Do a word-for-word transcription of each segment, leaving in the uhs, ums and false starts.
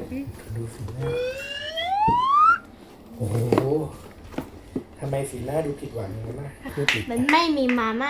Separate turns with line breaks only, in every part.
ดูสีหน้าโอ้โหทำไมสีหน้าดูผิดหวังอย่างนั้นนะพูดผิด
มันไม่มีมาม่า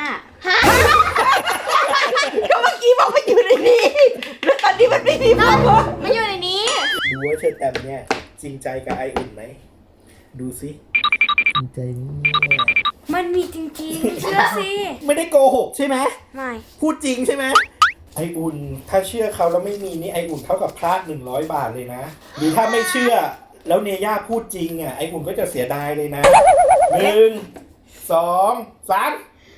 ก็เมื่อกี้บอกว่าอยู่ในนี้แล้วตอนนี้มันไม่มีมาม่า
มันอยู่ในนี้
ดูว่าเชอร์แตมเนี่ยจริงใจกับไออุ่นไหมดูสิจริงใจนี่
มันมีจริงๆ เชื่อสิ
ไม่ได้โกหกใช่ไหม
ไม่
พูดจริงใช่ไหมไออุ่นถ้าเชื่อเขาแล้วไม่มีนี่ไออุ่นเท่ากับพลาดหนึ่งร้อยบาทเลยนะหรือถ้าไม่เชื่อแล้วเนย่าพูดจริงอ่ะไออุ่นก็จะเสียดายเลยนะหนึ่งสองสาม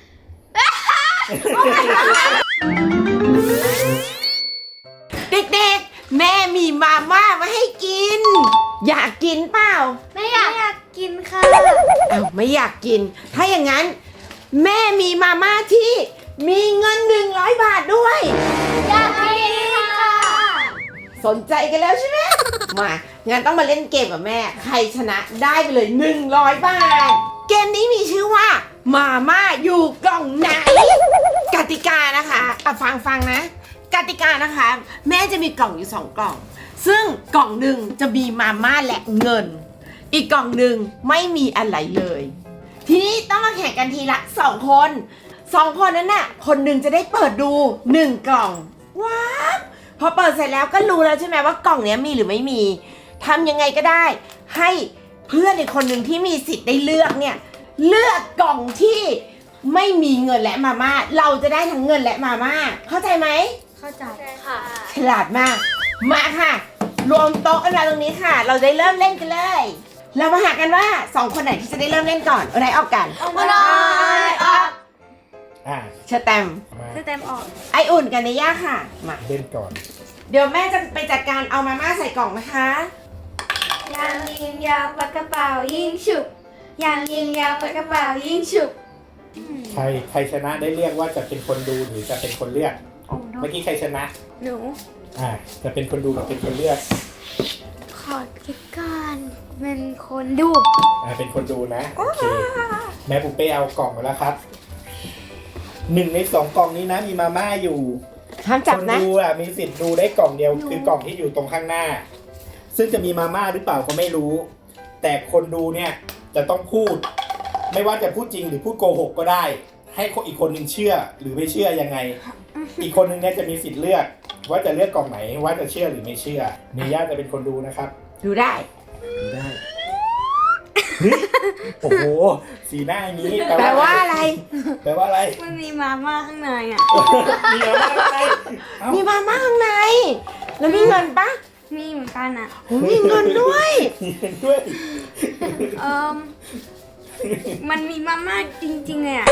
เด็กๆแม่มีมาม่ามาให้กิน อยากกินเปล่า
ไม่อยากไม่อยากกินค่ะ
อ้าวไม่อยากกิน ถ้าอย่างนั้น แม่มีมาม่าที่มีเงินหนึ่งร้อยบาทด้วย
อยากกินค่ะ
สนใจกันแล้วใช่ไหม มางั้นต้องมาเล่นเกมกับแม่ ใครชนะได้ไปเลยหนึ่งร้อยบาท เกมนี้มีชื่อว่ามาม่าอยู่กล่องไหน กติกานะคะอ่ะฟังฟังนะ กติกานะคะ แม่จะมีกล่องอยู่สองกล่อง ซึ่งกล่องหนึ่งจะมีมาม่าและเงิน อีกกล่องหนึ่งไม่มีอะไรเลย ทีนี้ต้องมาแข่งกันทีละสองคนสองคนนั้นน่ะคนหนึ่งจะได้เปิดดูหนึ่งกล่องว้าวพอเปิดเสร็จแล้วก็รู้แล้วใช่ไหมว่ากล่องเนี้ยมีหรือไม่มีทำยังไงก็ได้ ให้เพื่อนอีกคนหนึ่งที่มีสิทธิ์ได้เลือกเนี่ยเลือกกล่องที่ไม่มีเงินและมาม่าเราจะได้ทั้งเงินและมาม่าเข้าใจไหม
เข้าใจค่ะ
ฉลาดมากมาค่ะ รวมโต๊ะกันมาตรงนี้ค่ะ เราจะเริ่มเล่นกันเลย เรามาหากันว่าสองคนไหนที่จะได้เริ่มเล่นก่อนเอาไหนออกกัน
เอามาเลยออก
อ่ะ
เชอแตม
มา
คือเต็มออก
ไออุ่นกันในย่าค่ะมา
เล่นก่อน
เดี๋ยวแม่จะไปจัดการเอามาม่าใส่กล่องนะคะ
ยางยิงยาวปากกระเป๋ายิงฉุบยางยิงยาวปากกระเป๋ายิงฉุบ
ใครใครชนะได้เรียกว่าจะเป็นคนดูหรือจะเป็นคนเลือก
โอ้โห
เมื่อกี้ใครชนะ
หนู
อ่าจะเป็นคนดูหรือเป็นคนเลือก
ขอคิดก่อนเป็นคนดู
อ่าเป็นคนดูนะโอเคแม่ปุ๊เป้เอากล่องมาแล้วครับหนึ่งในสองกล่องนี้นะมีมาม่าอยู่
ห้ามจับ
คน
นะ
ดูอ่ะมีสิทธิ์ดูได้กล่องเดียวคือกล่องที่อยู่ตรงข้างหน้า ซึ่งจะมีมาม่าหรือเปล่าก็ไม่รู้ แต่คนดูเนี่ยจะต้องพูด ไม่ว่าจะพูดจริงหรือพูดโกหกก็ได้ ให้คนอีกคนหนึ่งเชื่อหรือไม่เชื่อยังไง อีกคนหนึ่งเนี่ยจะมีสิทธิ์เลือก ว่าจะเลือกกล่องไหนว่าจะเชื่อหรือไม่เชื่อเนย่าจะเป็นคนดูนะครับ
ดูได้
ดูได้เฮ้ยโอ้โหสีหน้าอย่างนี้
แปลว่าอะไร
แปลว่าอะไร
มันมีมาม่าข้างในอ่ะ
มีมาม่าอะไรเอ้า
มีมาม่าข้างใน แล้วมีเงินปะ
มีเหมือนกันอ่ะ
โอ้มีเงินด้วย
มีเงินด้วย
เอิมมันมีมาม่าจริงๆเลยอ่ะ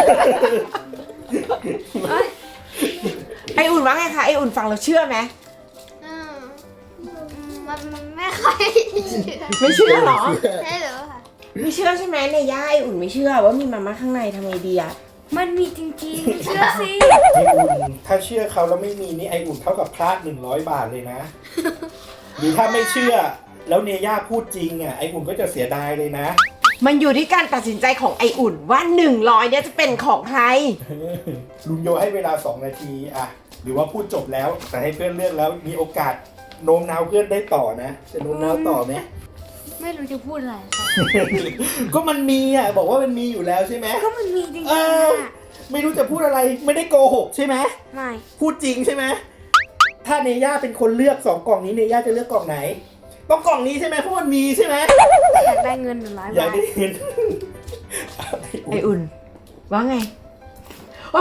เอ้ย
ไออุ่นว่าไงคะไออุ่นฟังเราเชื่อไหม
อืมมันมันไม่ค่อยเชื่อ
ไม่เชื่อเหรอ
ใช่หรือค่ะ
ไม่เชื่อใช่ไหมในย่าไออุ่นไม่เชื่อว่ามีมาม่าข้างในทำไงดีอะ
มันมีจริงๆ เชื่อสิ
ไออุ่นถ้าเชื่อเขาแล้วไม่มีนี่ไออุ่นเท่ากับพลาดหนึ่งร้อยบาทเลยนะ หรือถ้าไม่เชื่อแล้วเนย่าพูดจริงอ่ะไออุ่นก็จะเสียดายเลยนะ
มันอยู่ที่การตัดสินใจของไออุ่นว่าหนึ่งร้อยเนี่ยจะเป็นของใคร
ลุงโยให้เวลาสองนาทีอ่ะหรือว่าพูดจบแล้วแต่ให้เพื่อนเลือกแล้วมีโอกาสโน้มน้าวเพื่อนได้ต่อนะจะโน้มน้าวต่อไหม
ไม่รู้จะพูดอะไรค่ะ
ก็มันมีอ่ะบอกว่ามันมีอยู่แล้วใช่ไหม
ก็มันมีจริง
เอ
ๆ
อ
อ่ะ
ไม่รู้จะพูดอะไรไม่ได้โกหกใช่ไหม
ไม่
พูดจริงใช่ไหมถ้าเนย่าเป็นคนเลือกสองกล่องนี้เนย่าจะเลือกกล่องไหนต้องกล่องนี้ใช่ไหมเพราะมันมีใช่ไหม
อยากได้เงินหนึ่งร้อย
อยา
บาก ท
ได้เห็น
ไออุ่น ว่าไงโอ้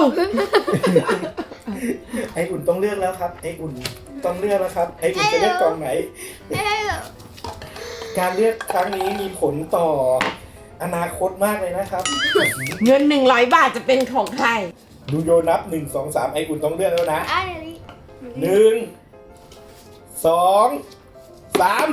ไออุ่นต้องเลือกแล้วครับไออุ่นต้องเลือกแล้วครับไออุ่นจะเลือกกล่องไหน
ไม่ได้หรอ
การเลือกครั้งนี้มีผลต่ออนาคตมากเลยนะครับ
เงินหนึ่งร้อยบาทจะเป็นของใคร
ดูโยนับหนึ่งสองสามไออุ่นต้องเลือกแล้วนะ
อ่ะเดี๋ยวนี้
หนึ่งสองสาม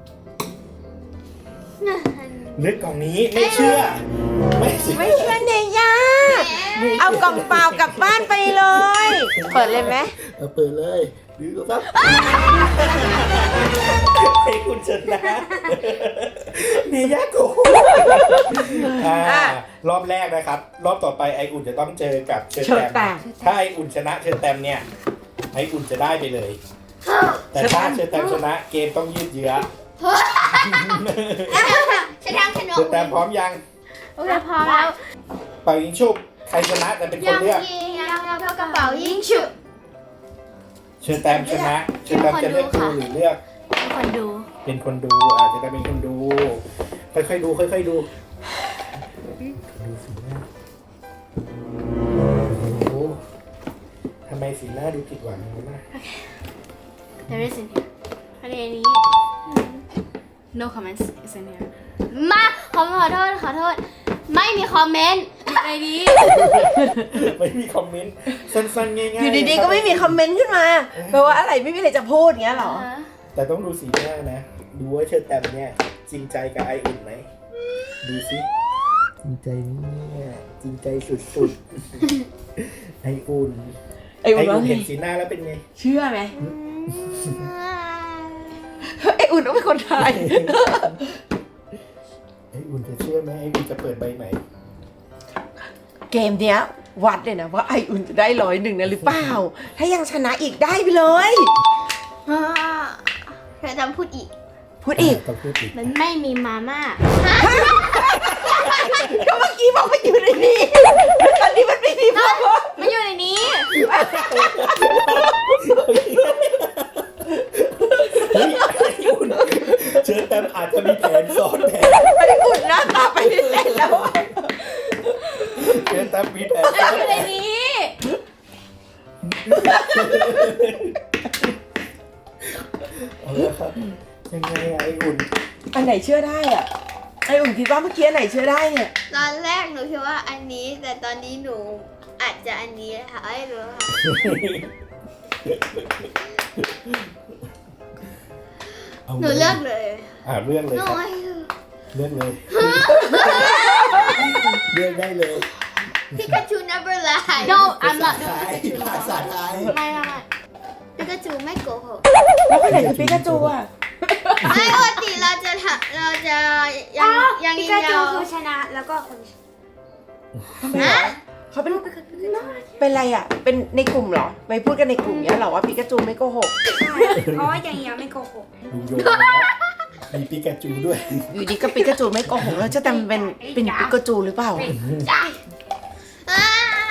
เลือกกล่องนี้ไม่เชื่อ ไม่เชื่อ
ไม่เชื่อเนย่าเอากล่องเปล่ากลับบ้านไปเลย เปิดเลยไหม
เอาเปิดเลยดูครับไออุ่นชนะเนย่าโกงอ่ารอบแรกนะครับ รอบต่อไปไออุ่นจะต้องเจอกับเชอร์
เชิญ
แต
แต่
มถ้าไออุ่นชนะเชอร์แตมเนี่ยไออุ่นจะได้ไปเลยแต่ถ้าเชอร์แตมชนะเกมต้องยืดเยื้อ
ฉันทำขน
เช
ม
อร์แตมพร้อมยัง
โอเคพอแล้ว
เป่ายิงชุบใครชนะจะเป็นคนเลือก
ยิงยาวเท่ากระเป๋ายิงฉุบ
เชอร์แตมชนะเชอร์แตมจะเลือกดูหรือเลือก
เป็นคนดู
เป็นคนดูอาจจะได้เป็นคนดู ค่อยๆดู ค่อยๆดู ดูสีหน้าโอ้โหทำไมสีหน้าดูผิดหวังอย่างนี้นะ
There is in here ประเด็นนี้ No comments is in here มาขอขอโทษขอโทษ ไม่มีคอมเมนต์อยู่ในนี้
ไม่มีคอมเมนต์สั้นๆง่ายๆ
อยู่ดีๆก็ไม่มีคอมเมนต์ขึ้นมาแปลว่าอะไรไม่มีอะไรจะพูดอย่างเงี้ยเหรอ
แต่ต้องดูสีหน้านะ ดูว่าเชอร์แตมเนี่ยจริงใจกับไออุ่นไหม ดูสิจริงใจเนี่ยจริงใจสุดๆ ไออุ่น
ไออุ่นว่าไง
เห็นสีหน้าแล้วเป็นไง
เชื่อไหมไออุ่นต้องเป็นคนไทย
ไออุ่นจะเชื่อไหมไออุ่นจะเปิดใบไหน
เกมเนี้ยวัดเลยนะว่าไออุ่นจะได้ร้อยหนึ่งนะหรือเปล่า ถ้ายังชนะอีกได้ไปเลย
เธอจำพูดอีก
พูดอีก
ต้องพูดอีก
มันไม่มีมาม่า
ก็เมื่อกี้บอกมันอยู่ในนี้ตอนนี้มันไม่มีพ่อ
มันอยู่ในนี้
เฮ้ยไออุ่นเชอร์แตมอาจจะมีแผนซ้อนแผน
ไออุ่นหน้าตาไปเล่นแล้วอะ
เชอร์แตมมีแผน
มัน
ซ้อน
อยู่
แผ
ใน
น
นี้
เอาละครับยังไงอะไออุ่น
อันไหนเชื่อได้อ่ะไออุ่นคิดว่าเมื่อกี้อันไหนเชื่อได้เนี่ย
ตอนแรกหนูคิดว่าอันนี้ แต่ตอนนี้หนูอาจจะอันนี้ค่ะไม่รู้ค่ะ
เอา
หนูเลือกเลย
อ่าเลือกเลย
หนู
ครับ
ไม่
เลือกเลย เลือกได้เลย
พิกาจู never lie No I'm not
ภาษาไทย
ไม่ไม่ไม่พิกาจูไม่โกหก
แล้วคนไหนคือปิกาจูอ่ะ
ไม่ปกติเราจะทำเราจะยังยัง
พิ
ยิง
กาจู
ยาว
คือชนะแล้วก็คน
ทำไมอ่ะเขาเป็นเป็นอะไรอ่ะ เป็นในกลุ่มเหรอ ไปพูดกันในกลุ่มเนี้ยเหรอว่าปิกาจูไม่โกหก
เพราะว่าอย่างเงี้ยไม่โกหก
ลุงโยนแล้วมีปิกาจูด้วย
อยู่ดีก็ปิกาจูไม่โกหกแล้วจะแต่เป็นเป็นปิกาจูหรือเปล่า
อ่า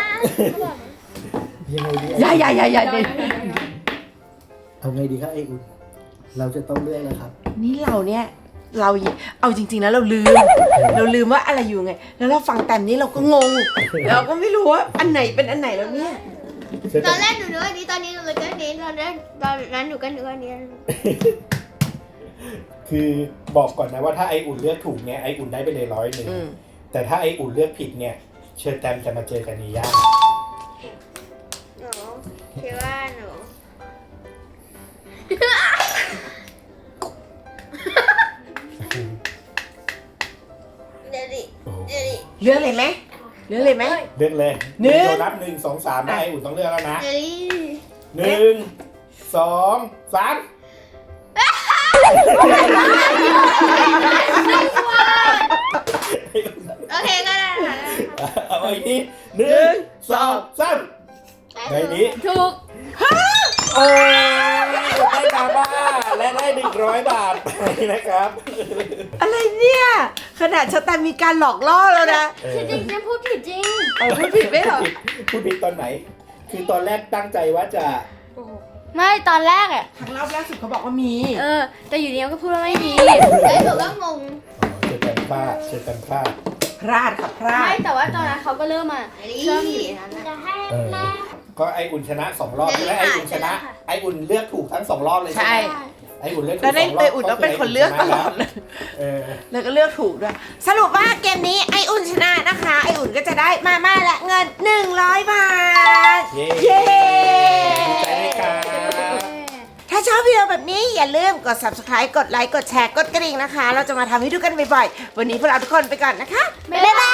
ยังไงดี
อย่าอย่าอย่าอย่าดิ
เอาไงดีครับไออุ่น เราจะต้องเลือกแล้วครับ
นี่เราเนี่ยเราเอาจริงๆนะเราลืม เราลืมว่าอะไรอยู่ไง แล้วเราฟังแต้มนี้เราก็งง เราก็ไม่รู้ว่าอันไหนเป็นอันไหนแล้วเนี่ย
ตอนแรกหนูนึกอันนี้ตอนนี้หนูเลยก็อันนี้ตอนแรกตอนนั้นหนูก็นึกอันนี้
คือบอกก่อนนะว่าถ้าไออุ่นเลือกถูกเนี่ยไออุ่นได้ไปเลยร้อยหนึ่ง
อืม
แต่ถ้าไออุ่นเลือกผิดเนี่ย เชิญแตมจะมาเจอกันนีย่า
หนูคิดว่าหนูเดี๋ยวดิเดี๋ยวดิ
เลือกเลยไหมเลือกเลยไหม
เลือกเลย
หนึ่ง
โดนับหนึ่งสองสามได้ไออุ่นต้องเลือกแล้วนะ
เดี๋ยวดิ
หนึ่งสองสามไออุ่น
โอเคก็ได้ค่ะ
เอาอีกทีหนึ่งสองสามในนี้
ถูก
โอ้ยได้มาบ้าและได้หนึ่งร้อยบาทไปนะครับ
อะไรเนี่ยขนาดชะตามีการหลอกล่อแล้วนะ
เออ
จริงๆฉันพูดผิดจริง
เอาพูดผิดไหมเหรอ
พูดผิดตอนไหน คือตอนแรกตั้งใจว่าจะ
ไม่ตอนแรกอ่ะ
ครั้งรอบแรกสุดเขาบอกว่ามี
เออ แต่อยู่ดีก็พูดว่าไม่มีไอ้หนูก็งง
เชิญกันพลาดเชิญกันพลาด
พลาดค่ะพลา
ไม่
ด
แต่ว่าตอนนั้นเขาก็เริ่มมาเชื่อมอยู่ในนั้นนะ
เออก็ไออุ่นชนะสองรอบใช่ไหมไออุ่นชนะ ไออุ่นเลือกถูกทั้งสองรอบเลยใช่
ใช่
ไหมไออุ่นเลือกถูก
แล้ว
ส
ได้
องรอบ
ไออุ่นต้องเป็นคนเลือกตลอดเลย
เออ
แล้วก็เลือกถูกด้วย สรุปว่าเกมนี้ไออุ่นชนะนะคะ ไออุ่นก็จะได้มาม่าและเงินหนึ่งร้อยบาท
เย้
เย้
ดีใจด้วยครับ
ถ้าชอบวิดีโอแบบนี้อย่าลืมกด ซับสไครบ์ กดไลค์ กดแชร์ กดกระดิ่งนะคะ เราจะมาทำให้ดูกันบ่อยๆ วันนี้พวกเราทุกคนไปก่อนนะคะ บ๊ายบาย